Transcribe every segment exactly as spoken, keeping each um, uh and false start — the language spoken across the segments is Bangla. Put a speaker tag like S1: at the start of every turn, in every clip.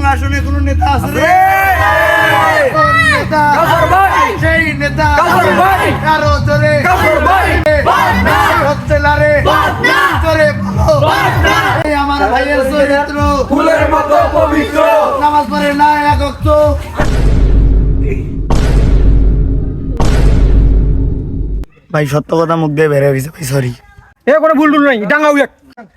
S1: আসনে কোনো নেতা আছে রে? কোন নেতা? সেই নেতা কারো জোরে হচ্ছে না রে, জোরে বলো। এই আমার ভাইয়ের চরিত্র
S2: ফুলের মতো পবিত্র,
S1: নামাজ পড়ে না এক ওয়াক্ত। ভাই সত্য কথা মুখ দিয়ে বের হয়ে গেছে ভাই, সরি।
S3: এ কোনো ভুল টুল নাই, ডাঙ্গাও এক।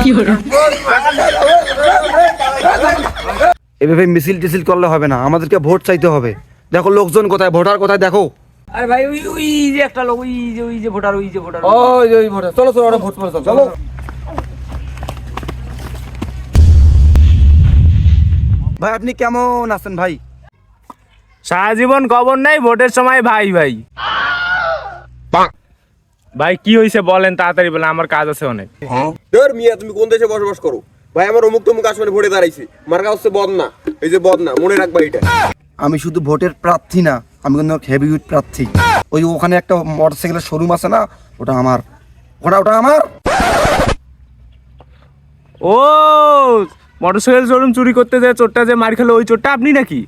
S2: এভাবে মিছিল টিছিল করলে হবে না, আমাদেরকে ভোট চাইতে হবে। দেখো লোকজন কোথায়, ভোটার কোথায় দেখো।
S4: আরে ভাই ওই ওই যে একটা লোক, ওই যে ওই যে ভোটার, ওই যে ভোটার।
S2: ওই ওই ভোটার, চলো চলো, ওরা ভোট করে চলো, চলো। ভাই আপনি কেমন আছেন ভাই?
S3: সারা জীবন খবর নাই, ভোটের সময় ভাই ভাই ভাই কি হয়েছে বলেন, তাড়াতাড়ি বলেন, আমার কাজ আছে অনেক।
S5: ধর মিয়া, তুমি কোন দেশে বসবাস করো? ভাই আমার অমুক তমুক আসনে ভোটে দাঁড়াইছি, মার্কা হচ্ছে বদনা। এই যে বদনা, মনে রাখবা এটা।
S2: আমি শুধু ভোটের প্রার্থী না, আমি কিন্তু হেভিউইট প্রার্থী। ওই ওখানে একটা মোটরসাইকেলের শোরুম আছে না, ওটা আমার, ওটা ওটা আমার।
S3: ও মোটরসাইকেল শোরুম চুরি করতে যায় চোরটা যে মার খেলো, ওই চোরটা আপনি নাকি?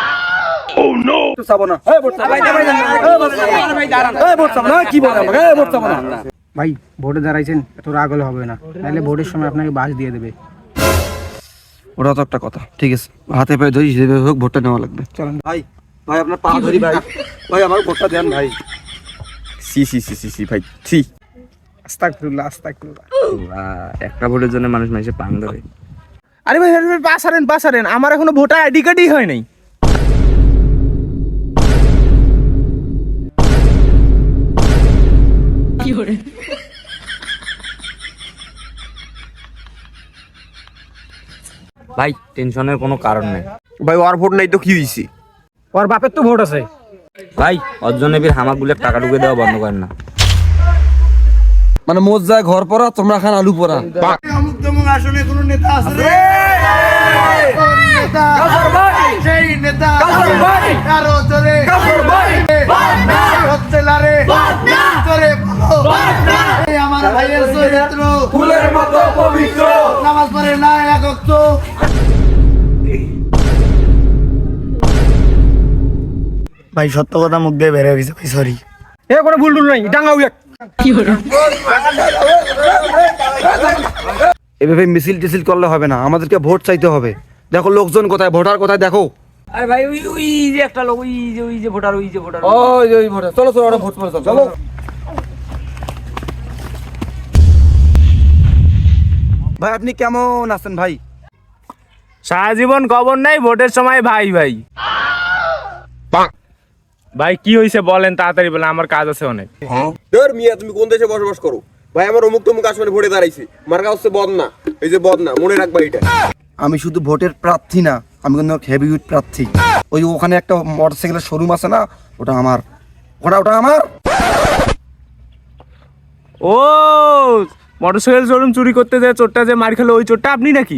S6: ভাই ভোটে দাঁড়াইছেন, এত রাগ হলে হবে না, নাহলে ভোটের সময় আপনাকে বাস দিয়ে দেবে।
S2: ওটা তো একটা কথা, ঠিক আছে, হাতে পায়ে ধরি যেভাবে হোক ভোটটা নেওয়া লাগবে। চলেন ভাই, ভাই আপনার পা ধরি ভাই, ভাই আমার ভোটটা দেন ভাই।
S5: সি সি সি সি সি ভাই, সি।
S6: আস্তাগফিরুল্লাহ আস্তাগফিরুল্লাহ।
S4: একটা ভোটের জন্য মানুষ মানুষে পাং ধরে।
S3: আরে ভাই ভাই পাস হারেন পাস হারেন, আমার এখনো ভোটার আইডি কার্ডই হয় নাই।
S4: ভাই টেনশনের কোনো কারণ নেই
S5: ভাই ওর ভোট নাই তো কি হইছে?
S3: ওর বাপের তো ভোট আছে।
S4: ভাই, অর্জনেবীর হামাগুলো টাকা ঢুকে দেওয়া বন্ধ করেন না।
S2: মানে মোজ যায় ঘর পড়া, তোমরা খান আলু পড়া।
S1: অমুক তমুক আসনে কোনো নেতা আছে রে? কোন নেতা? সেই নেতা কারো জোরে হচ্ছে না রে, জোরে বলো। এই আমার ভাইয়ের চরিত্র
S2: ফুলের মতো পবিত্র,
S1: নামাজ পড়ে না এক ওয়াক্ত। ভাই সত্য কথা মুখ দিয়ে বের হয়ে গেছে ভাই, সরি।
S3: এ কোনো ভুল টুল নাই, ডাঙ্গাও এক।
S2: এভাবে মিছিল টিছিল করলে হবে না, আমাদেরকে ভোট চাইতে হবে। দেখো লোকজন কোথায়, ভোটার কোথায় দেখো।
S4: আরে ভাই ওই ওই যে একটা লোক, ওই যে ওই যে ভোটার, ওই যে ভোটার।
S2: ওই ওই ভোটার, চলো চলো, ওরা ভোট করে চলো, চলো। ভাই আপনি কেমন আছেন ভাই?
S3: সারা জীবন খবর নাই, ভোটের সময় ভাই ভাই ভাই কি হয়েছে বলেন, তাড়াতাড়ি বলেন, আমার কাজ আছে অনেক।
S5: ধর মিয়া, তুমি কোন দেশে বসবাস করো? ভাই আমার অমুক তমুক আসনে ভোটে দাঁড়াইছি, মার্কা হচ্ছে বদনা। এই যে বদনা, মনে রাখবা এটা।
S2: আমি শুধু ভোটের প্রার্থী না, আমি কিন্তু হেভিউইট প্রার্থী। ওই ওখানে একটা মোটরসাইকেলের শোরুম আছে না, ওটা আমার, ওটা ওটা আমার।
S3: ও মোটরসাইকেল শোরুম চুরি করতে যায় চোরটা যে মার খেলো, ওই চোরটা আপনি নাকি?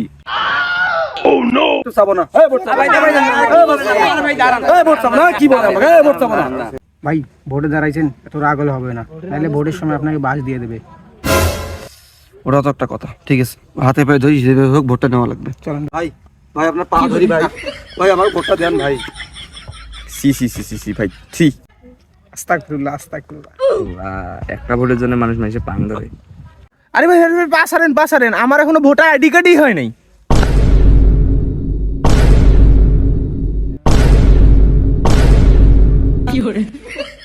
S6: ভাই ভোটে দাঁড়াইছেন, এত রাগ হলে হবে না, নাহলে ভোটের সময় আপনাকে বাস দিয়ে দেবে।
S2: ওটা তো একটা কথা, ঠিক আছে, হাতে পায়ে ধরি যেভাবে হোক ভোটটা নেওয়া লাগবে। চলেন ভাই, ভাই আপনার পা ধরি ভাই, ভাই আমার ভোটটা দেন ভাই।
S5: সি সি সি সি সি ভাই, সি।
S6: আস্তাগফিরুল্লাহ আস্তাগফিরুল্লাহ।
S4: একটা ভোটের জন্য মানুষ মানুষে পাং ধরে।
S3: আরে ভাই ভাই পাস হারেন পাস হারেন, আমার এখনো ভোটার আইডি কার্ডই হয় নাই।